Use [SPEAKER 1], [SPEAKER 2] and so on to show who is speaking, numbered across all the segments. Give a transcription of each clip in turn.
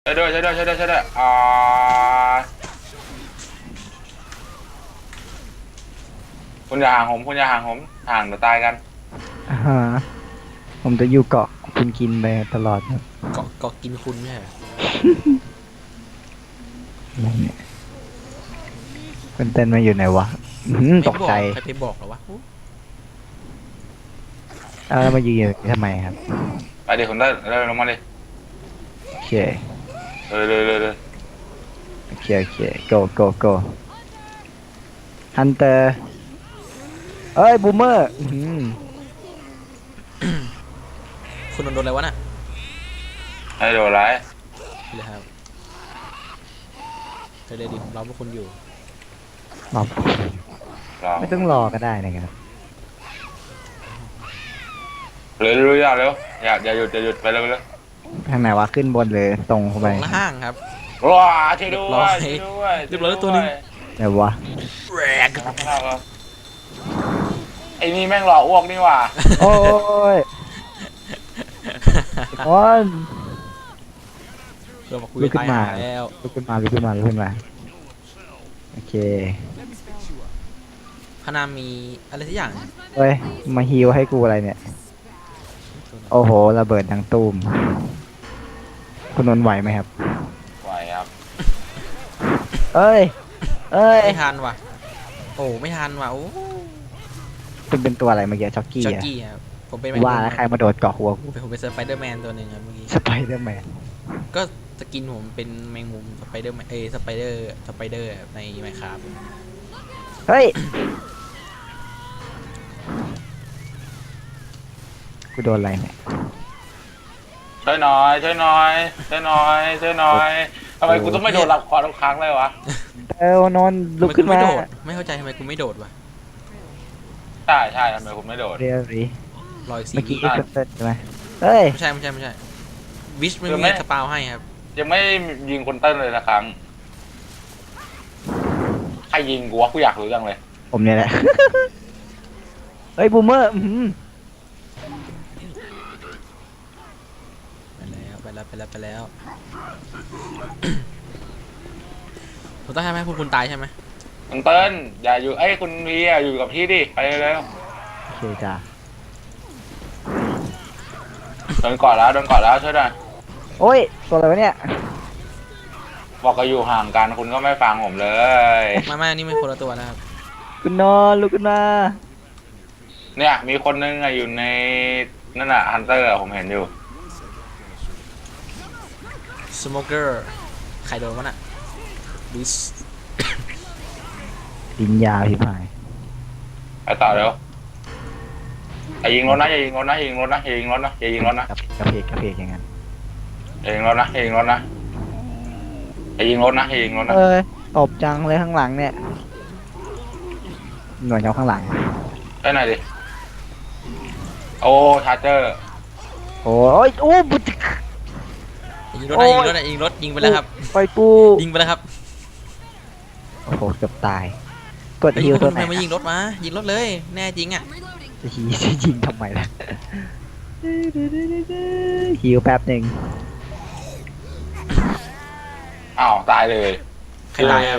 [SPEAKER 1] ช่วยด้วยช่วยด้วยช่วยด้วยช่วยด้วยคุณอย่าห่างผมคุณอย่าห่างผมห่างเดี๋ยวตายกัน
[SPEAKER 2] อ่าฮะผมจะอยู่เกาะคุณกินไปตลอดครับ
[SPEAKER 3] เกาะกินคุณไม่ใช่เหรอ
[SPEAKER 2] อะไรเนี่ยเป็นเต้นมาอยู่ไหนวะตกใจ
[SPEAKER 3] ใครไปบอกเหรอวะ
[SPEAKER 2] แล้วมายืนอยู่ทำไมครับ
[SPEAKER 1] ไปดิคุณได้เร็วลงมาดิ
[SPEAKER 2] โอเค
[SPEAKER 1] เลย
[SPEAKER 2] โอเคgo go go ฮันเตอร์เอ้ยบูมเมอร์
[SPEAKER 3] คุณโดนอะไรวะน่ะ
[SPEAKER 1] ให้โดนไร
[SPEAKER 3] เลยครับเลยดิเราพวกคุณอยู่
[SPEAKER 2] รอ
[SPEAKER 1] รอ
[SPEAKER 2] ไม่ต้องรอก็ได้นะครับ
[SPEAKER 1] เร็วเร็วอย่าหยุดไปเร็วเลย
[SPEAKER 2] ทางไหนวะขึ้นบนเลยตรงเข้าไป
[SPEAKER 3] ล่างครับ
[SPEAKER 1] ว้าช่วยด้วยช่วยด้วย
[SPEAKER 3] เรียบร้อยตัวนึง
[SPEAKER 2] ไหนวะ
[SPEAKER 3] แรก
[SPEAKER 1] ไอ้นี่แม่งหล่ออ้วกนี่ว่ะ
[SPEAKER 2] โอ้ยโอ้ย
[SPEAKER 3] เรามาคุย
[SPEAKER 2] ลุกขึ้นมา
[SPEAKER 3] แล้ว
[SPEAKER 2] ลุกขึ้นมาโอเค
[SPEAKER 3] พนามีอะไรสักอย่าง
[SPEAKER 2] เฮ้ยมาฮีลให้กูอะไรเนี่ยโอ้โหระเบิดดังตูมคุณนนท์ไหวไหมครับ
[SPEAKER 1] ไหวครับ
[SPEAKER 2] เอ้ย
[SPEAKER 3] ไม่ทันว่ะโอ้ไม่ทันว่ะโอ้
[SPEAKER 2] เป็นตัวอะไรเมื่อกี้จ็อกกี้
[SPEAKER 3] จ็อก
[SPEAKER 2] อะ
[SPEAKER 3] กี้ครับผมเป็น
[SPEAKER 2] ว่าแล้วใครมาโดดเกาะหัวกู
[SPEAKER 3] ผมเป็นสไปเดอร์แมนตัวหนึ่งครับเมื่อกี้
[SPEAKER 2] สไปเดอร์แมน
[SPEAKER 3] ก็สกินผมเป็นแมงมุมสไปเดอร์สไปเดอร์ในไมค์ครับ
[SPEAKER 2] เฮ้ยกูโดนอะไรเนี่ย
[SPEAKER 1] ช่วยหน่อยทำไมกูต้องไม่โดนรับคอทุกครั้งเลยวะ
[SPEAKER 2] นอนลุกขึ้นมา
[SPEAKER 3] ไม่เข้าใจทำไมกูไม่โดดวะ
[SPEAKER 1] ใช่ทำไมคุณไม่โดด
[SPEAKER 2] เรียรี
[SPEAKER 3] รอยสี
[SPEAKER 2] เมื่อกี้เใช่ไหมเฮ้ย
[SPEAKER 3] ไม่ใช่วิชไม่มีสปาวให้ครับ
[SPEAKER 1] ยังไม่ยิงคนเต้นเลยสักครั้งใครยิงกูวะกูอยากรู้จังเลย
[SPEAKER 2] ผมเนี่ยแหละเฮ้ยบูมเมอร์
[SPEAKER 3] ไปแล้วผมต้องทำให้คุณตายใช่ไหม
[SPEAKER 1] คุณเติ้ลอย่าอยู่คุณพีอยู่กับพี่ดิไปเลย
[SPEAKER 2] โอเคจ้า
[SPEAKER 1] โดนกอดแล้วช่วยหน่อย
[SPEAKER 2] โอ้ยตัวอะไรวะเนี่ย
[SPEAKER 1] บอกก็อยู่ห่างกันคุณก็ไม่ฟังผมเลย
[SPEAKER 3] ไม่นี่ไม่คนละตัวนะครับ
[SPEAKER 2] คุณนอนลุกขึ้นมา
[SPEAKER 1] เนี่ยมีคนนึงอยู่ในนั่นน่ะฮันเตอร์ผมเห็นอยู่
[SPEAKER 3] สโมเกอร์ใครโดนวะน่ะบิส
[SPEAKER 2] ดินยาวพี่พาย
[SPEAKER 1] ไปต่อเร็วอย่ายิงรถนะอย่ายิงรถนะ
[SPEAKER 2] กระเพกอย่างนั้น
[SPEAKER 1] อย่ายิงรถนะ
[SPEAKER 2] ตบจังเลยข้างหลังเนี่ยหน่วยเงาข้างหลัง
[SPEAKER 1] ได้ไหนดิโอ้ชาร์เจอร์
[SPEAKER 2] โอ้ยโอ้บุตร
[SPEAKER 3] ยิงรถยิงไปแล้วครับ
[SPEAKER 2] ไปปู
[SPEAKER 3] ยิงไปแล้วครับ
[SPEAKER 2] โอ้โหเกือบตายกดฮิวตัวไหน
[SPEAKER 3] มายิงรถเลยแน่จริงอ่ะ
[SPEAKER 2] จะยิงทำไมล่ะฮิวแป๊บหนึ่ง
[SPEAKER 1] อ้าวตายเลย
[SPEAKER 3] ใครตายครับ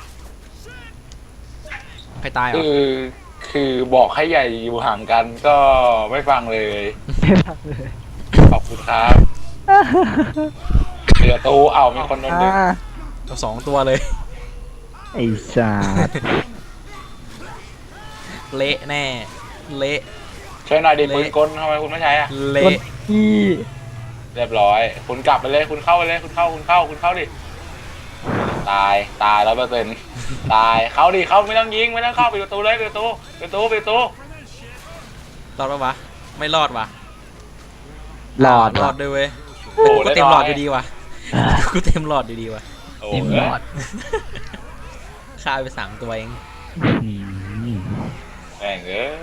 [SPEAKER 3] ใครตาย
[SPEAKER 1] คือบอกให้ใหญ่อยู่ห่างกันก็ไม่ฟังเลยขอบคุณครับเหลือตู้มีคนนึง
[SPEAKER 3] สองตัวเลย
[SPEAKER 2] ไอ้สัส
[SPEAKER 3] เละแน่เละ
[SPEAKER 1] ใช้หน่อยดิปืนกลทำไมคุณไม่ใช้อะ
[SPEAKER 3] เละ
[SPEAKER 1] เรียบร้อยคุณกลับไปเลยคุณเข้าไปเลยคุณเข้าดิตาย100%ตายเข้าดิเข้าไม่ต้องยิงไม่ต้องเข้าปิดประตูเลยปิดประตู
[SPEAKER 3] รอดปะวะไม่รอดวะ
[SPEAKER 2] รอด
[SPEAKER 3] ด้วยเว้ยกูเต็มหลอดอยู่ดีว่ะกูเต็มหลอดอยู่ดีว่ะ
[SPEAKER 2] เต็มหลอด
[SPEAKER 3] ฆ่าไป3 ตัวเอง
[SPEAKER 1] แม่ง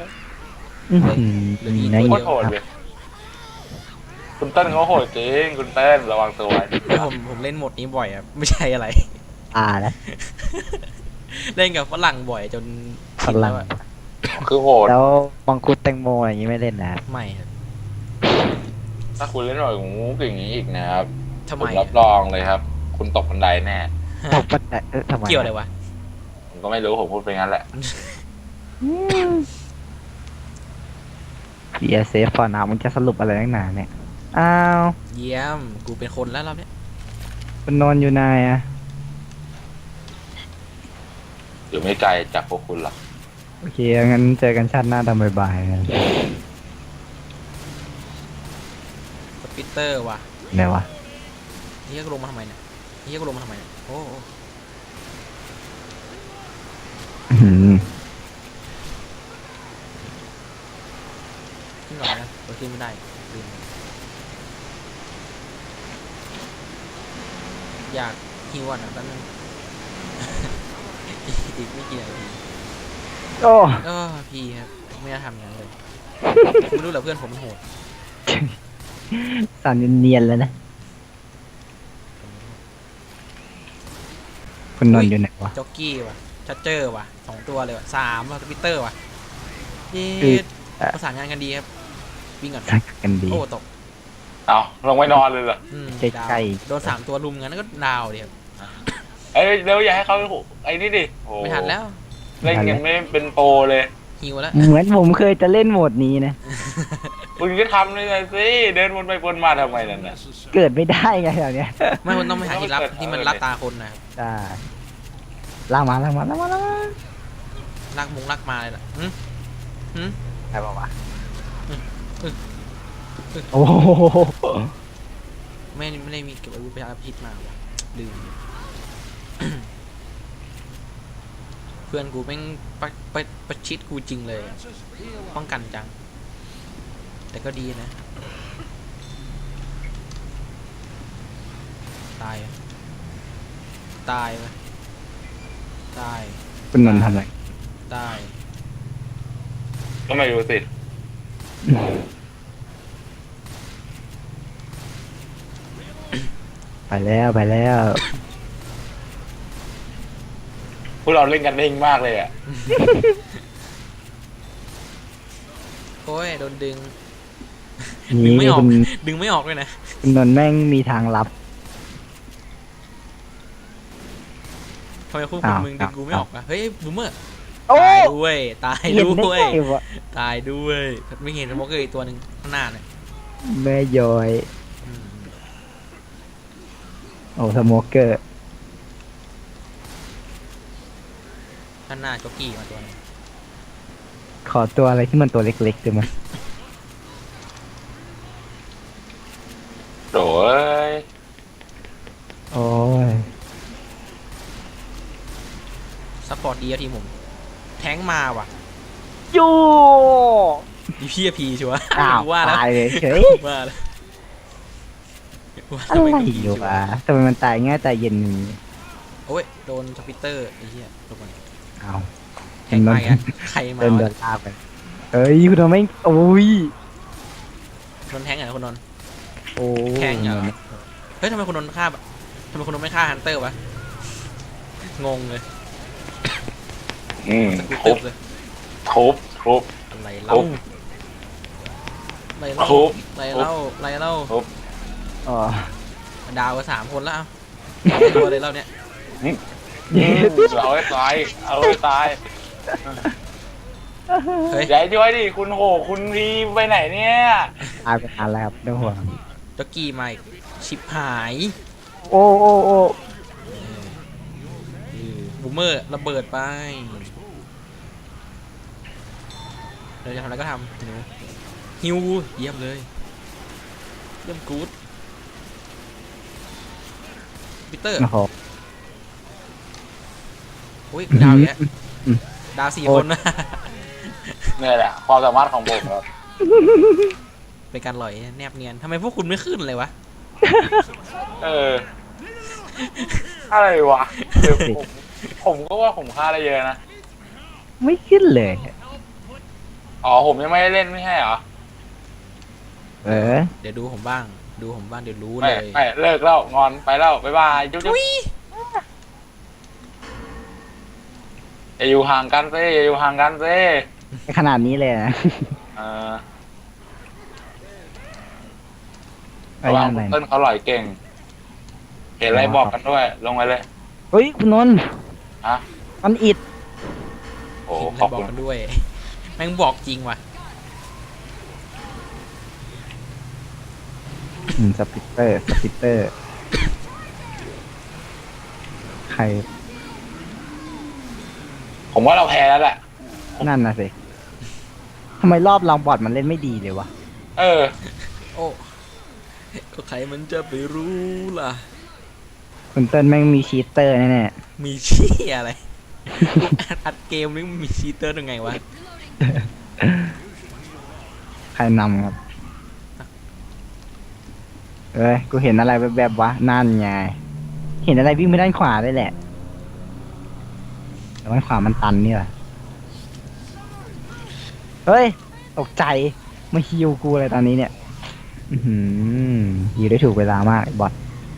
[SPEAKER 2] โค
[SPEAKER 1] ตรโหดเลยคุณเต้นเขาโหดจริงคุณเต้นระวังตัว
[SPEAKER 3] ผมเล่นโหมดนี้บ่อยครับไม่ใช่อะไร
[SPEAKER 2] แล้ว
[SPEAKER 3] เล่นกับฝรั่งบ่อยจน
[SPEAKER 2] ฝรั่ง
[SPEAKER 1] คือโหด
[SPEAKER 2] แล้วมังคุดแตงโมอะไรอย่างนี้ไม่เล่นนะ
[SPEAKER 3] ไม่ครับ
[SPEAKER 1] ถ้าคุณเล่นหน่อยงูอย่างนี้อีกนะครับ
[SPEAKER 3] ททำ
[SPEAKER 1] ผ
[SPEAKER 3] ไม
[SPEAKER 1] มรับรองเลยครับ คุณตกบันไดแน่
[SPEAKER 2] ตกบันไดทำไม
[SPEAKER 3] เกี่ยวอะไรวะ
[SPEAKER 1] ผมก็ไม่รู้ผมพูดไปงั้นแหละ
[SPEAKER 2] พีเอสเซฟฟอร์นามึงจะสรุปอะไรนักหนาเนี่ยอ้าว
[SPEAKER 3] เยี่ยมกูเป็นคนแล้วรอบเนี้ย
[SPEAKER 2] คุณนนท์อยู่ไหนอะ
[SPEAKER 1] อยู่ไม่ไกลจากพวกคุณหรอก
[SPEAKER 2] โอเคงั้นเจอกันชาติหน้าตอนบ่ายๆนะ
[SPEAKER 3] สปิตเตอร์ว่ะ
[SPEAKER 2] ไหนวะ
[SPEAKER 3] เฮียกูลงมาทำไมเนี่ยเฮียกูลงมาทำไมเนี่ยโอ้โห
[SPEAKER 2] อื้อหือ
[SPEAKER 3] ขึ้นก่อนนะเดี๋ยวขึ้นไม่ได้ลืมอยากฮิวอ่ะนะแป๊บนึง อีกไม่กี่นาที
[SPEAKER 2] โอ้
[SPEAKER 3] พี่ครับไม่น่าทำอย่างนั้นเลยไม่รู้เหรอเพื่อนผมมันโหด
[SPEAKER 2] สั่นเนียนๆเลยนะคุณนนท์อยู่ไหนวะ
[SPEAKER 3] จ็อกกี้ว่ะชัดเจอร์ว่ะ2 ตัวเลยว่ะ3ว่ะสปิตเตอร์ว่ะเย็ดประสานงานกันดีครับวิ่งก่อน
[SPEAKER 2] ทักกันดี
[SPEAKER 3] โอ้ตก
[SPEAKER 1] เอาลงไปนอนเลยเหรอ
[SPEAKER 2] ใกล้
[SPEAKER 3] ดาว
[SPEAKER 2] ๆ
[SPEAKER 3] โดน3 ตัวลุมงั้นก็ดาวเดียว
[SPEAKER 1] เอ้ยเร็วอย่าให้เขาไอ้นี่ดิโอ้
[SPEAKER 3] ไม่ทันแล้ว
[SPEAKER 1] เล่นยังไม่เป็นโปรเลย
[SPEAKER 3] ฮิวแล้ว
[SPEAKER 2] เหมือนผมเคยจะเล่นโหมดนี้นะ
[SPEAKER 1] คุณก็ทำเลยนะสิเดินวนไปวนมาทำไมนั่นน่ะ
[SPEAKER 2] เกิดไม่ได้ไงแถวเนี้ย
[SPEAKER 3] ไม่มันต้องไปหาที่รับที่มันรับตาคนนะครับ
[SPEAKER 2] ได้ล่างมาล่างมาล่างมาล่างมา
[SPEAKER 3] ลากมาเลยล่ะหึ
[SPEAKER 2] ใครบอกว่า
[SPEAKER 3] อืม
[SPEAKER 2] โอ้โห
[SPEAKER 3] ไม่ได้มีเก็บอาวุธไปอาพิษมาว่ะลืม เพื่อนกูแม่งประชิดกูจริงเลยอะป้องกันจัง แต่ก็ดีนะ ตายอะตายไปตาย
[SPEAKER 2] คุณนนท์ทำอะไร
[SPEAKER 3] ตาย
[SPEAKER 1] ก็ไม่รู้สิ
[SPEAKER 2] ไปแล้วไปแล้ว
[SPEAKER 1] พวกเราเล่นกันเองมากเลยอ่ะ
[SPEAKER 3] โอ้ยโดนดึง ดึง
[SPEAKER 2] นี่
[SPEAKER 3] ไม่ออก
[SPEAKER 2] คุณ
[SPEAKER 3] ดึงไม่ออกเลยนะ
[SPEAKER 2] คุณนนท์แม่งมีทางลับ
[SPEAKER 3] ทำไมคุณ
[SPEAKER 2] อ้าว
[SPEAKER 3] มึงดึงกูไม่ออกอะเฮ้ยบูมเมอร์
[SPEAKER 2] โอ้
[SPEAKER 3] ตายด้วยตาย
[SPEAKER 2] เห็นได้
[SPEAKER 3] ด้วย
[SPEAKER 2] ไงวะ
[SPEAKER 3] ตายด้วยไม่เห็นสโมกเกอร์อีกตัวหนึ่งข้างหน้าเนี่ย
[SPEAKER 2] แม่ย้อย
[SPEAKER 3] อืม
[SPEAKER 2] โอ้สโมเกอร์
[SPEAKER 3] ข้างหน้าจ็อกกี้มาตัวหนึง
[SPEAKER 2] ขอตัวอะไรที่มันตัวเล็กๆได้ไหม
[SPEAKER 1] โถ่เอ้ย
[SPEAKER 2] โอ้ย
[SPEAKER 3] ซัพพอร์ตดีอะทีมผมแทงค์มาว่ะ
[SPEAKER 2] ยู
[SPEAKER 3] อีพีพีชัวร์
[SPEAKER 2] อ้าว
[SPEAKER 3] ว่าแล้ว
[SPEAKER 2] ตายเลยเฉย
[SPEAKER 3] ว่าแล้วว่า
[SPEAKER 2] อะ
[SPEAKER 3] ทำ
[SPEAKER 2] ไร
[SPEAKER 3] ไมกู
[SPEAKER 2] อยู่
[SPEAKER 3] ชัว
[SPEAKER 2] วะทำไมมันตายง่ายตายเย็นนี้
[SPEAKER 3] โอ้ยโดนสปิตเตอร์ไอ้เหี้ยลงมา
[SPEAKER 2] เอา
[SPEAKER 3] แทงค์มาอีกอะใครมา
[SPEAKER 2] เดิน
[SPEAKER 3] วะ
[SPEAKER 2] เดินลากไปเอ้ยคุณทำไมโอ้ย
[SPEAKER 3] โดนแทงค์เหรอคนนนท์
[SPEAKER 2] โอ้
[SPEAKER 3] แทงค์เหรอเฮ้ยทำไมคนนนท์ฆ่าทำไมคนนนท์ไม่ฆ่าฮันเตอร์วะงงเลย กู
[SPEAKER 1] ทุ
[SPEAKER 3] ตึ
[SPEAKER 1] บบ
[SPEAKER 3] เลย
[SPEAKER 1] ทุบ
[SPEAKER 3] อะไร
[SPEAKER 1] ทุ
[SPEAKER 3] เล่า
[SPEAKER 1] บ
[SPEAKER 3] อะไรเล่า
[SPEAKER 1] ทุบ
[SPEAKER 3] อะไรเล่าอะไรเล่า
[SPEAKER 1] ทุบ
[SPEAKER 2] อ๋อ
[SPEAKER 3] ดาวก็3 คนแล้วเอาตัวเลยเล่าเนี่ย
[SPEAKER 1] เอาให้ตายเอาให้ตาย
[SPEAKER 3] เฮ้ย
[SPEAKER 1] ใหญ่ด้วยดิคุณโหคุณพีไปไหนเนี่ย
[SPEAKER 2] ตายไปนานแล้วครับไม่ต้องห่วง
[SPEAKER 3] จ็อกกี้มาอีกชิบหาย
[SPEAKER 2] โอ้โอ้โอ้
[SPEAKER 3] บูมเมอร์ระเบิดไปเราจะทำอะไรก็ทำหนูฮิวเยี่ยมเลยเยี่ยมกู๊ดปีเตอร์
[SPEAKER 2] โอ้โห
[SPEAKER 3] โอ้ยดาวเยอะ
[SPEAKER 2] อืม
[SPEAKER 3] ดาว4
[SPEAKER 2] โอ้
[SPEAKER 3] คนนะ
[SPEAKER 1] เนี่ยแหละความสามารถของผมครับ
[SPEAKER 3] เป็นการหล่อยแนบเนียนทำไมพวกคุณไม่ขึ้นเลยวะ
[SPEAKER 1] เอออะไรวะเดี๋ยวผมก็ว่าผมฆ่าได้เยอะนะ
[SPEAKER 2] ไม่ขึ้นเลย
[SPEAKER 1] อ๋อผมยังไม่ได้เล่นไม่ใช่เหรอ
[SPEAKER 2] เออ
[SPEAKER 3] เดี๋ยวดูผมบ้างเดี๋ยวรู้
[SPEAKER 1] ไม่
[SPEAKER 3] เลย
[SPEAKER 1] ไม่เลิกแล้วงอนไปแล้วบ๊ายบายจุ๊บจุ๊บอย่าอยู่ห่างกันซิอย่าอยู่ห่างกันซิ
[SPEAKER 2] ขนาดนี้เลยนะ
[SPEAKER 1] เออ
[SPEAKER 2] ไป
[SPEAKER 1] ระวัง
[SPEAKER 2] ยังไง
[SPEAKER 1] เต้นเขาหล่อยเก่งเห็นอะไรบอกกันด้วย ลงไปเลย
[SPEAKER 2] เฮ้ยคุณนนท์
[SPEAKER 1] ฮะ
[SPEAKER 2] มันอิด
[SPEAKER 1] โอ้
[SPEAKER 3] เห็น
[SPEAKER 1] ขอบ
[SPEAKER 3] บอ
[SPEAKER 1] คุ
[SPEAKER 3] ก
[SPEAKER 1] ณ
[SPEAKER 3] กันด้วย แม่งบอกจริงว่ะ
[SPEAKER 2] สปิตเตอร์ใคร
[SPEAKER 1] ผมว่าเราแพ้แล้วแหละ
[SPEAKER 2] นั่นน่ะสิทำไมรอบเราบอดมันเล่นไม่ดีเลยวะ
[SPEAKER 1] เออ
[SPEAKER 3] โอ้ก็ใครมันจะไปรู้ล่ะ
[SPEAKER 2] คุณเติ้ลแม่งมีชีตเตอร์แน่
[SPEAKER 3] มีเชี่ยอะไรกูอัดเกมนี่มีชีเตอร์ยังไงวะ
[SPEAKER 2] ๆใครนำครับเอ้ยกูเห็นอะไรแบบๆวะนั่นไงเห็นอะไรวิ่งไปด้านขวาได้แหละแต่ด้านขวามันตันนี่แหละเฮ้ยตกใจมาฮิวกูอะไรตอนนี้เนี่ยฮิวได้ถูกเวลามากไอ้บอท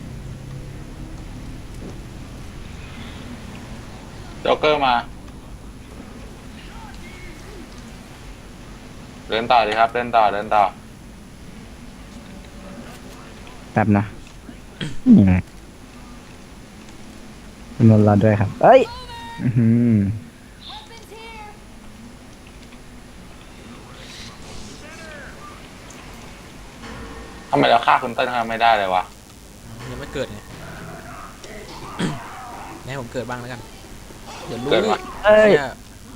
[SPEAKER 1] โจ๊กเกอร์มา เดินต่อดีครับ เดินต่อ
[SPEAKER 2] แป๊บนะนี่ไงคุณนนท์รอด้วยครับเอ้ยอ
[SPEAKER 1] ทำไมเราฆ่าคุณเติ้ลเขาไม่ได้เลยวะ
[SPEAKER 3] ยังไม่เกิดไง ให้ผมเกิดบ้างแล้วกัน เดี๋ยวรู้
[SPEAKER 1] เกิดวะ
[SPEAKER 2] เอ้ย
[SPEAKER 3] เนี่ย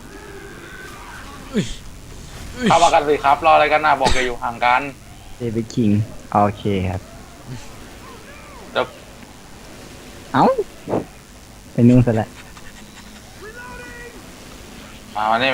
[SPEAKER 1] เข้ามากันสิครับ รออะไรกันนะบอกจะอยู่ห่างกัน
[SPEAKER 2] เดวิดคิงโอเคครับ
[SPEAKER 1] เดี๋ยว
[SPEAKER 2] เอ้าไปนู่นซะและ
[SPEAKER 1] มานี่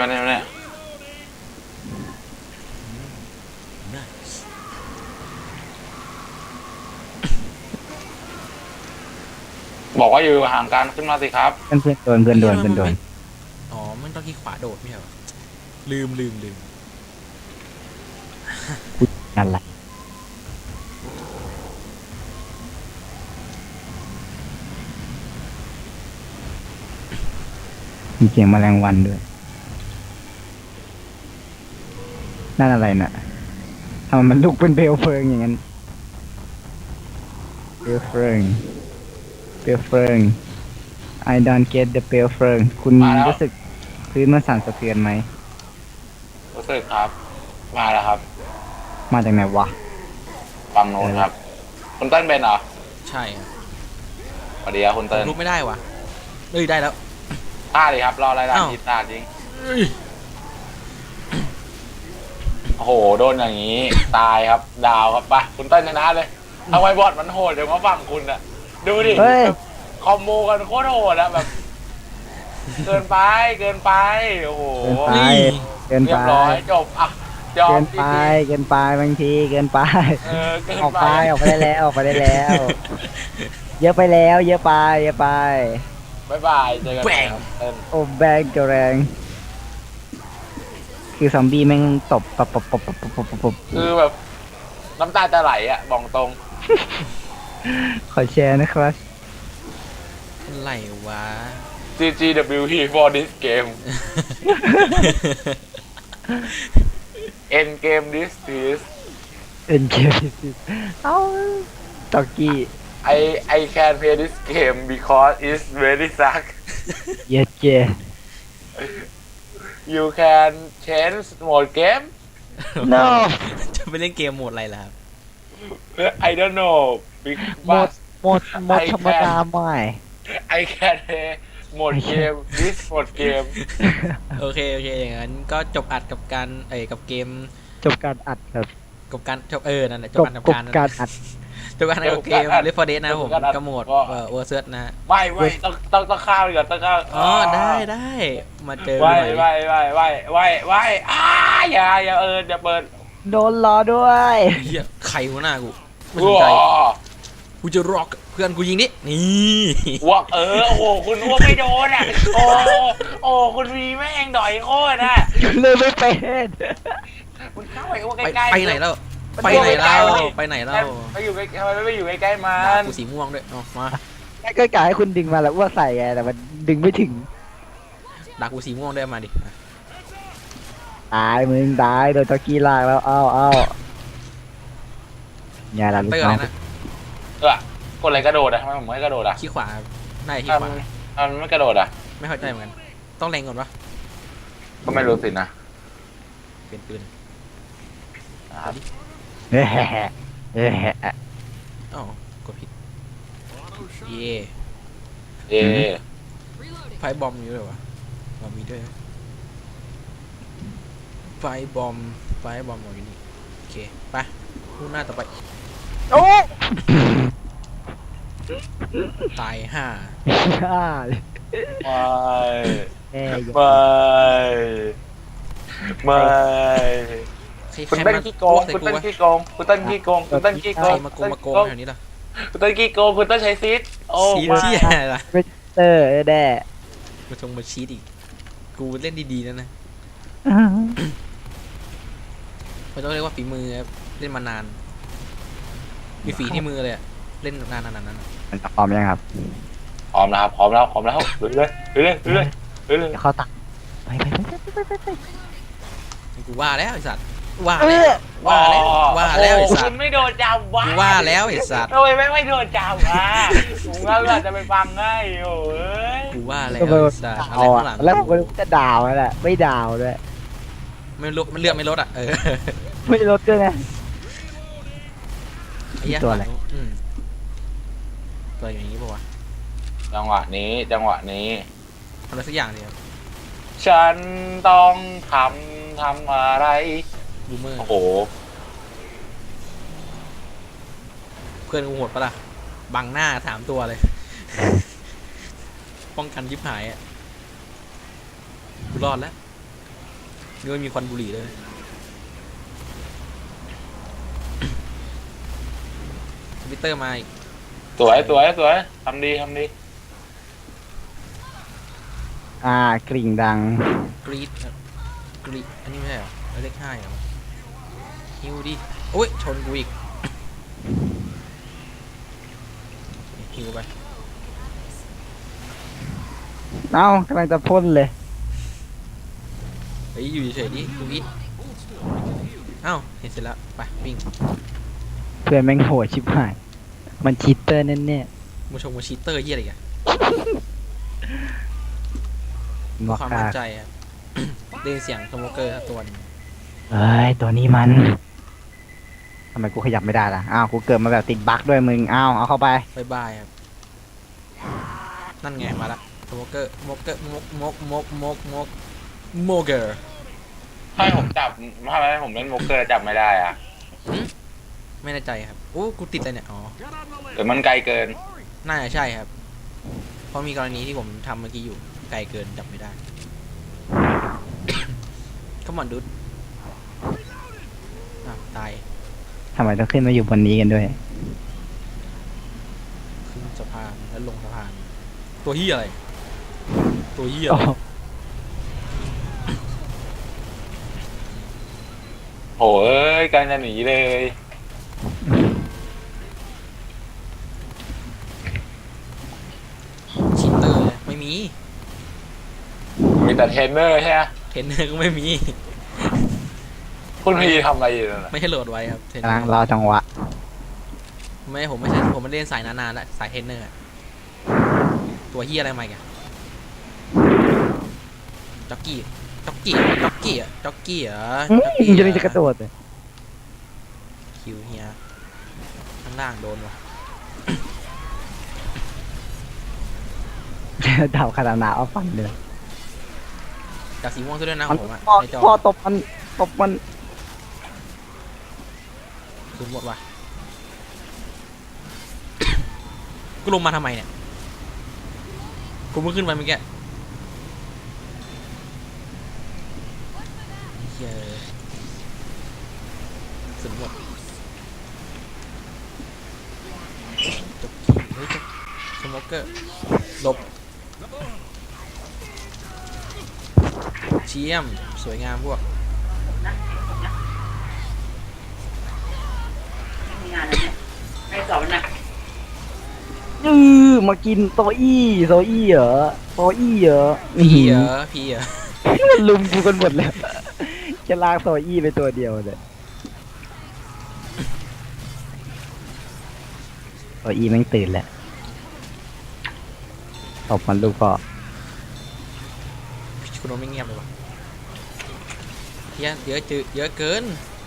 [SPEAKER 1] บอกว่าอยู่ห่างกันขึ้นมาสิครับ
[SPEAKER 2] เพื่อนโดน
[SPEAKER 3] อ๋อ มันต้องที่ขวาโดดไม่ใช่เหรอลืม
[SPEAKER 2] อะไรมีเสียงแมลงวันด้วยนั่นอะไรน่ะทำไมมันลุกเป็นเปลวเพลิงอย่างนั้นเปลวเพลิงI don't get the เปลวเพลิงคุณ
[SPEAKER 1] มาแล้ว
[SPEAKER 2] รู้สึกพื้นมันสั่นสะเทือนไหม
[SPEAKER 1] รู้สึกครับ มาแล้วครับ
[SPEAKER 2] มาจากไหนวะ
[SPEAKER 1] ฝั่งโน้นครับ คุณเติ้ลเป็นเหรอ
[SPEAKER 3] ใช่ครับ
[SPEAKER 1] สวัสดีครับคุณเติ้ล
[SPEAKER 3] ลุกไม่ได้วะเอ้ยได้แล้ว
[SPEAKER 1] ฆ่าดิครับ รออะไรล่ะ
[SPEAKER 3] อ้าว
[SPEAKER 1] ยิงตาจริง
[SPEAKER 3] เอ้ย
[SPEAKER 1] โอ้โห โดนอย่างนี้ ตายครับ ดาวครับไปคุณเติ้ลชนะเลยทำไมบอดมันโหดเดี๋ยวมาฝั่งคุณอะดูดิ
[SPEAKER 2] เฮ้ย
[SPEAKER 1] คอมโบกันโคตรโหดอะแบบ เกินไปโอ้โห
[SPEAKER 2] เกิน
[SPEAKER 1] เรี
[SPEAKER 2] ไป
[SPEAKER 1] ยบร้อยจบอ่ะยอ
[SPEAKER 2] เกิ
[SPEAKER 1] ม
[SPEAKER 2] นไปบางทีเกินไป
[SPEAKER 1] เออเกิน
[SPEAKER 2] ออก
[SPEAKER 1] ไป
[SPEAKER 2] ไปออกไปได้แล้วเยอะไปแล้ว
[SPEAKER 1] บ๊ายบายเจอกันใหม่ครับเติ้ล
[SPEAKER 2] โอ้แบงกระแรง คือซอมบี้แม่งตบปบ
[SPEAKER 1] คือแบบน้ำตาจะไหลอะบอกตรง
[SPEAKER 2] ขอแชร์นะครับ
[SPEAKER 3] อะไรวะ
[SPEAKER 1] GGWP for this game end game this is
[SPEAKER 2] เป็นเกมเอ้าตอกกี้
[SPEAKER 1] I can play this game because it's very suck
[SPEAKER 2] เย็ดเจ
[SPEAKER 1] you can change mode game
[SPEAKER 2] no
[SPEAKER 3] จะไปเล่นเกมโหมดอะไรล่ะครับ
[SPEAKER 1] I don't know
[SPEAKER 2] หมดธรรมดาไม่
[SPEAKER 1] I can play mode game this mode game
[SPEAKER 3] โอเคอย่างนั้นก็จบอัดกับการกับเกม
[SPEAKER 2] จบการอัดครับ
[SPEAKER 3] กับการจบนั่นแหละจ
[SPEAKER 2] จ
[SPEAKER 3] บบ อัดกับ
[SPEAKER 2] กบ
[SPEAKER 3] การ
[SPEAKER 2] การอัด
[SPEAKER 3] จบอัดกับเกม Left 4 Dead นะครับผมกระโหมดเวอร์เซิร์ชนะฮะ
[SPEAKER 1] ไม่ต้องข้าวดีกว่าต้องข้าว
[SPEAKER 3] อ๋อได้มาเจอ
[SPEAKER 1] ไว้
[SPEAKER 3] กันใหม่
[SPEAKER 1] อย่าอย่าเปิด
[SPEAKER 2] โดนล้อด้วย
[SPEAKER 3] เฮียใครวะหน้ากูไม่สน
[SPEAKER 1] ว้
[SPEAKER 3] ใจ
[SPEAKER 1] า
[SPEAKER 3] กูจะร็อกเพื่อนกูยิงนี่นี่
[SPEAKER 1] วโอ้โหคุณอ้วกไม่โดนอ่ะโอ้คุณวีแม่งดอยโคตรอ่ะ
[SPEAKER 2] เลยไม่เป็น
[SPEAKER 1] คุณเข้าไปอ้วกใกล้ๆ
[SPEAKER 3] ไปไหนแล้วไปไหนแล้ว
[SPEAKER 1] ไปอยู่ใกล้ทำไมไม่อยู่ใกล้ๆมั
[SPEAKER 3] ด่าน กูสีม่วงด้วยเอามา
[SPEAKER 2] ก็กะให้คุณดึงมาแล้วอ้วกใส่ไงแต่มันดึงไม่ถึง
[SPEAKER 3] ด่ากูสีม่วงด้วยมาดิ
[SPEAKER 2] ตายมึงตายโดนตะกี้ลากแล้วเอ้าอย่าละลู
[SPEAKER 3] ไป
[SPEAKER 2] ก
[SPEAKER 3] ก่อน
[SPEAKER 2] น้อง
[SPEAKER 3] เลยนะ
[SPEAKER 1] กดอะไรกระโดดอะทำไมผมไม่กระโดดอะ
[SPEAKER 3] ขี้ขวาได้ขี้
[SPEAKER 1] ทำ
[SPEAKER 3] ขวา
[SPEAKER 1] ทำไม่กระโดดอะ
[SPEAKER 3] ไม่เข้าใจเหมือนกันต้องแรงก่อนปะ
[SPEAKER 1] ก็ไม่รู้สินะ
[SPEAKER 3] เปลี่ยนปืน
[SPEAKER 1] นะครับ
[SPEAKER 2] เฮ้เฮ้
[SPEAKER 3] อ๋อกดผิดเย่
[SPEAKER 1] เย่
[SPEAKER 3] ไฟบอมมีด้วยวะบอมมีด้วยไฟบอมอยู่นี่โอเคไปคู่หน้าต่อไป
[SPEAKER 2] โอ้
[SPEAKER 3] ตายห่า
[SPEAKER 2] ฆ่าเลย
[SPEAKER 1] ไม่
[SPEAKER 2] แม่ย
[SPEAKER 1] ไม่
[SPEAKER 3] ใคร
[SPEAKER 1] คุณ
[SPEAKER 3] ใคร
[SPEAKER 1] เต้น
[SPEAKER 3] มา
[SPEAKER 1] ขี้โก
[SPEAKER 3] อ้ว
[SPEAKER 1] ง
[SPEAKER 3] ใส่
[SPEAKER 1] คุณ
[SPEAKER 3] กู
[SPEAKER 1] เต้น
[SPEAKER 3] วะ
[SPEAKER 1] ขี้โกงคุณเต้นขี้โกงคุณเต้นขี้โก
[SPEAKER 3] ใครง มาโกงแถวนี้ล่ะ
[SPEAKER 1] คุณเต้นขี้โกงคุณเต้นใช้ซีดโอ้
[SPEAKER 3] ชี
[SPEAKER 1] ไม่
[SPEAKER 3] ที่อะไรล่ะ
[SPEAKER 2] เตอร์แด่
[SPEAKER 3] มาชีตอีกกูเล่นดีๆนะมันต้องเรียกว่าฝีมือครับเล่นมานานมีฝีที่มือเลยอะเล่นนานๆนั้น
[SPEAKER 2] มันพร้อมยังครับ
[SPEAKER 1] พร้อมแล้วครับพร้อมแล้วเลยเลย
[SPEAKER 2] เดี๋ยวเข้าตักไป
[SPEAKER 3] กูว่าแล้วไอ้สัตว์ว่าแล้วว่าแล้วไอ้สั
[SPEAKER 1] คุ
[SPEAKER 3] ต
[SPEAKER 1] ณ
[SPEAKER 3] ว์
[SPEAKER 1] ไม่โดนจับวะ
[SPEAKER 3] กูว่าแล้วไอ้สัตว์
[SPEAKER 1] ทำไมไม่โดนจับวะผมก็อาจจะไปฟังง่ายโอ้ย
[SPEAKER 3] กูว่าแล้ว
[SPEAKER 2] ก็ไป
[SPEAKER 3] ไอ้สัตว์อะไร
[SPEAKER 2] เอา
[SPEAKER 3] ข้างหลั
[SPEAKER 2] อะ
[SPEAKER 3] ง
[SPEAKER 2] แล้วผมก็จะด่ามันแหละไม่ด่าด้วย
[SPEAKER 3] ไม่ลดมันเลือกไม่ลดอ่ะเออ
[SPEAKER 2] ไม่ลดด้วยนะ
[SPEAKER 3] ไอ้เหี้ย
[SPEAKER 2] ตัวอะไร
[SPEAKER 3] อืมตัวอย่างนี้ป่าวะ
[SPEAKER 1] จังหวะนี้
[SPEAKER 3] ทำอะไรสักอย่างเดียว
[SPEAKER 1] ฉันต้องทำอะไร
[SPEAKER 3] บูมเมอร์
[SPEAKER 1] โอ้โห
[SPEAKER 3] เพื่อนกูโหดปะล่ะบังหน้า3 ตัวเลย ป้องกันยิบหายอ่ะกูรอดแล้วนี่มันมีควันบุหรี่เลยคอมพิวเตอร์มาอีก
[SPEAKER 1] สวยทำดี
[SPEAKER 2] กริ่งดัง
[SPEAKER 3] กรีดอันนี้ไม่ใช่เหรอเลข 5เหรอฮิวดิโอ้ยชนกูอีกฮิวไป
[SPEAKER 2] เอ้ากำลังจะพ่นเลย
[SPEAKER 3] เฮ้ยอยู่เฉยๆดิดูอิดเอ้าเห็นเสร็จแล้วไปวิ่ง
[SPEAKER 2] เพื่อนแม่งโหดชิบหาย มันชีตเตอร์แน่
[SPEAKER 3] มาชมมาชีตเตอร์เยี่ยอะไรกัน
[SPEAKER 2] ๆมอ
[SPEAKER 3] ความ
[SPEAKER 2] กา
[SPEAKER 3] มั่นใจอะ ได้ยินเสียงสโมเกอร์ตัวหนึง
[SPEAKER 2] เอ้ยตัวนี้มันทำไมกูขยับไม่ได้ล่ะอ้าวกูเกิดมาแบบติดบั๊กด้วยมึงอ้าวเอาเข้าไป
[SPEAKER 3] บายบายครับนั่นไงมาละสโมเกอร์มกเกอร์โมเกอร์
[SPEAKER 1] ให้ผมจับทำไมผมเล่นโมเกอร์จับไม่ได้อะ
[SPEAKER 3] ไม่แน่ใจครับโอ้กูติดอะไรเนี่ยอ๋อ
[SPEAKER 1] หรือมันไกลเกิน
[SPEAKER 3] น่าจะใช่ครับ เพราะมีกรณีที่ผมทำเมื่อกี้อยู่ไกลเกินจับไม่ได้ ขมอนดุดอ้าวตาย
[SPEAKER 2] ทำไมต้องขึ้นมาอยู่บนนี้กันด้วย
[SPEAKER 3] ขึ้นสะพานแล้วลงสะพาน ตัวเฮียอะไร ตัวเฮีย
[SPEAKER 2] โอ้
[SPEAKER 1] โอ้ยกำลังจะหนีเลย
[SPEAKER 3] ชิตเตอร์เลยไม่มี
[SPEAKER 1] มีแต่เทรนเนอร์ใช่ไหม
[SPEAKER 3] เทรนเนอร์ก็ไม่มี
[SPEAKER 1] คุณพีทำอะไรอยู่นั่นน่ะ
[SPEAKER 3] ไม่ให้โหลดไว้ครับเทรนเน
[SPEAKER 2] กำ
[SPEAKER 3] อ
[SPEAKER 2] ลัง
[SPEAKER 3] ร์
[SPEAKER 2] รอจังหวะ
[SPEAKER 3] ไม่ผมไม่ใช่ผมไม่เล่นสายนานๆแล้วสายเทรนเนอร์อะตัวเฮียอะไรมาอีกอะจ็อกกี้เหรอจ็อกกี้เหรอ
[SPEAKER 2] จะนี่จะกระโดดเลย
[SPEAKER 3] คิวเฮียข้างล่างโดนวะ
[SPEAKER 2] ดาวคารานาเอาฟันเลย
[SPEAKER 3] จากสีม่วงซะด้วยนะ
[SPEAKER 2] มัน
[SPEAKER 3] ผมอะ
[SPEAKER 2] พ่อ
[SPEAKER 3] ในจอ
[SPEAKER 2] พ่อตบมัน
[SPEAKER 3] คืนหมดวะ กูลงมาทำไมเนี่ยกูเพิ่งขึ้นไปเมื่อกี้เหี้ยสุดหมดจบขี่เฮ้ยจบสโมเกอร์หลบเชี่ยมสวยงามพวก
[SPEAKER 4] มีงานแล้วเนี่ยไม่สอบมันนะ
[SPEAKER 2] มากินโซอี้เหรอโซอี้เหรอ
[SPEAKER 3] พี่เหรอ
[SPEAKER 2] มันลุมกูกันหมดเลยจะลากโซอี้ไปตัวเดียวเลยตัวอีแม่งตื่นแหละตบมันลูกก็
[SPEAKER 3] คุณโดนไม่เงียบเลยวะเยอะเยอะจืดเยอะเกิน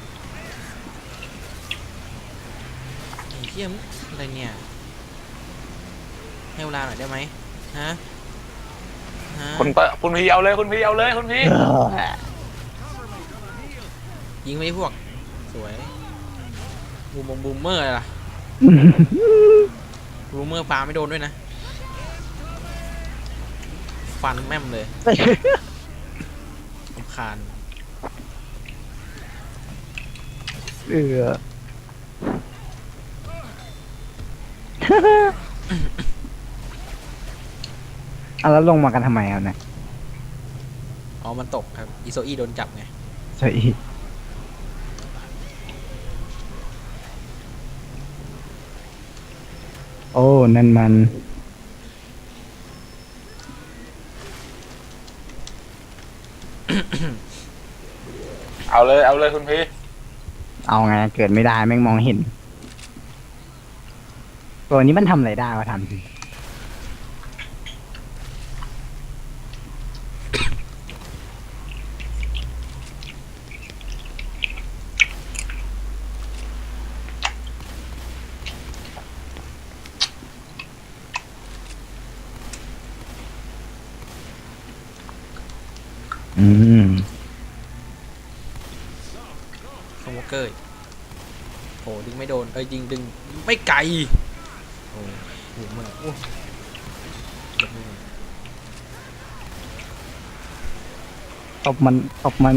[SPEAKER 3] ไอ้เหี้ยมงอะไรเนี่ยให้เวลาหน่อยได้ไหมฮะฮะ
[SPEAKER 1] คุณพี่เอาเลยคุณพี่เอาเลยคุณพี่
[SPEAKER 3] ยิงไปพวกสวยบูมเมอร์อะไรล่ะบูมเมอร์ปาไม่โดนด้วยนะฟันแม่มเลยรำคาญ
[SPEAKER 2] เอาแล้วลงมากันทำไมเอาเนี่ย
[SPEAKER 3] อ๋อมันตกครับอิโซอีโดนจับไง
[SPEAKER 2] ใช่โอ้นั่นมัน
[SPEAKER 1] เอาเลยคุณพี่
[SPEAKER 2] เอาไงเกิดไม่ได้แม่งมองเห็นตัวนี้มันทำอะไรได้วะทำสิ อืม
[SPEAKER 3] สโมเกอร์โหดึงไม่โดนยิงดึงไม่ไกลโอ้โหมันโอ้เดี๋ยวมึง
[SPEAKER 2] ตบมัน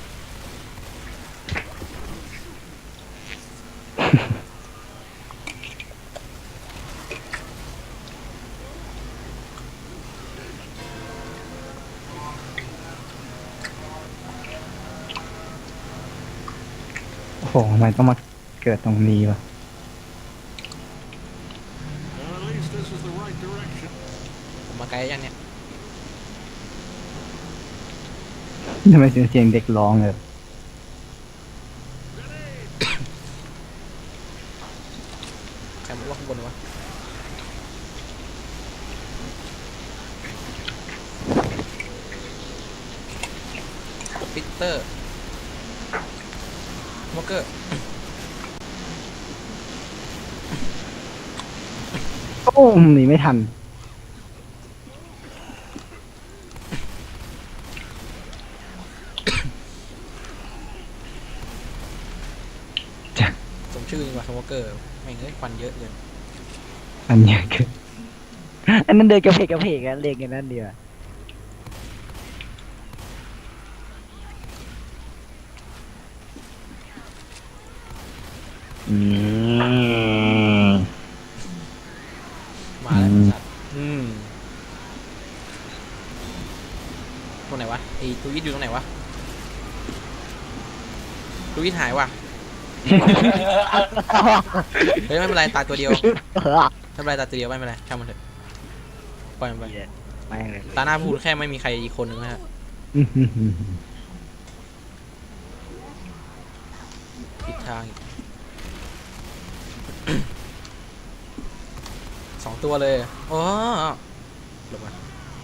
[SPEAKER 2] โอ้โหทำไมต้องมาเกิดตรงนี้วะ
[SPEAKER 3] ผมมาไกลยังเนี่ย
[SPEAKER 2] ทำไมเสียงเด็กร้องเลย
[SPEAKER 3] ใครมาว่าข้างบนวะปิเตอร์สโมเกอร์
[SPEAKER 2] โอ้หนีไม่ทันจ้ะ
[SPEAKER 3] สมชื่อจริงว่ะสโมเกอร์แม่งเอ้ยควันเยอะเกิน
[SPEAKER 2] อันเนี้ยคืออันนั้นเดินกระเพกกันเล่นกันนั่นเดียวอืม
[SPEAKER 3] มาแล้ว
[SPEAKER 2] อืม
[SPEAKER 3] สัตว์ตรงไหนวะไอ้ตูยิดอยู่ตรงไหนวะตูยิดหายว่ะ เฮ้ยไม่เป็นไรตายตัวเดียวไม่เป็นไรตายตัวเดียวไม่เป็นไรช่างมันเถอะปล่อยมันไป
[SPEAKER 2] ไม่เลย
[SPEAKER 3] ตาหน้าพูดแค่ไม่มีใครอีกคนนึงนะฮะผิดทางอีก สองตัวเลยโอ้หลบมา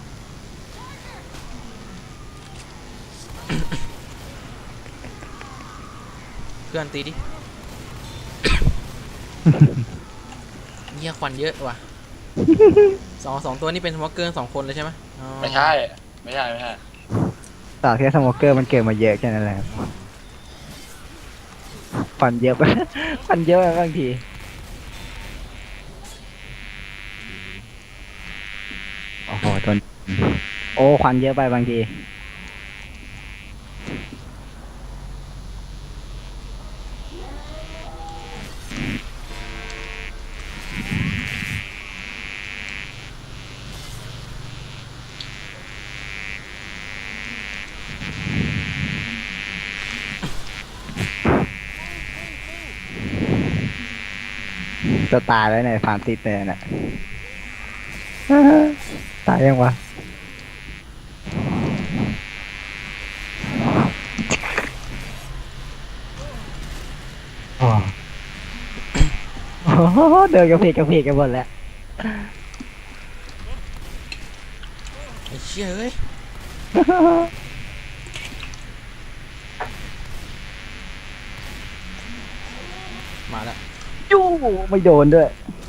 [SPEAKER 3] เพื่อนตีดิ เหี้ยควันเยอะว่ะ สองตัวนี่เป็นสโมเกอร์2 คนเลยใช่ไหมอ๋อ
[SPEAKER 1] ไม่ใช่ไม่ใช่
[SPEAKER 2] ต่อแค่สโมเกอร์มันเกิดมาเยอะแค่นั้นแหละครับฟันเยอะไป ฟันเยอะไปบางทีโอ้โหทนโอ้ควันเยอะไปบางทีจะตายแล้วเนี่ยฟาร์มติดเลยน่ะ ตายยังวะอ๋อเดินกระเพกกันหมดแล้ว
[SPEAKER 3] ไอ้เชี่ยเอ้ยมาแล้ว
[SPEAKER 2] ยูไม่โดนด้วย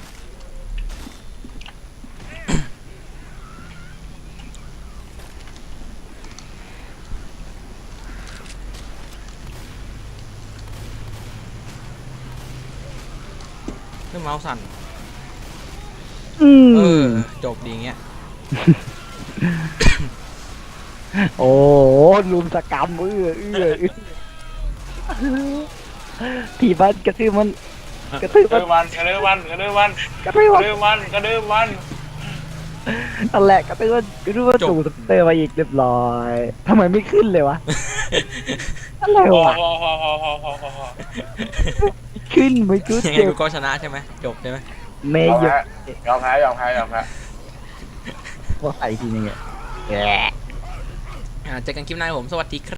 [SPEAKER 3] เครื่องเมาส์สั่น
[SPEAKER 2] อืม
[SPEAKER 3] เออจบดีเงี้ย
[SPEAKER 2] โอ้โหลุมสกรรมถีบมันกระทืบมันกระทืบ
[SPEAKER 1] กระ
[SPEAKER 2] มัน
[SPEAKER 1] ดือมันกระดือมันกระดือมัน
[SPEAKER 2] กระทืบ
[SPEAKER 1] ก
[SPEAKER 2] มั
[SPEAKER 1] ระ
[SPEAKER 2] น
[SPEAKER 1] ดือมันกระดือมัน
[SPEAKER 2] นั่นแหละกระทืบมันจู่สเตอร์มาอีกเรียบร้อยทำไมไม่ขึ้นเลยวะอะไร
[SPEAKER 1] พอ
[SPEAKER 2] วะ
[SPEAKER 1] พอ
[SPEAKER 2] ขึ้นไม่ขึ้น
[SPEAKER 3] ยังไง
[SPEAKER 2] เจ็บ
[SPEAKER 3] กูก็ชนะใช่ไหมจบใช่ไหม
[SPEAKER 2] เม
[SPEAKER 1] ย
[SPEAKER 2] ย์
[SPEAKER 1] อม
[SPEAKER 2] หยุด
[SPEAKER 1] แพ้ยอมแพ้
[SPEAKER 2] ว่าใส่ทีนึงอ่ะ
[SPEAKER 3] เจอกันคลิปหน้าครับผมสวัสดีครับ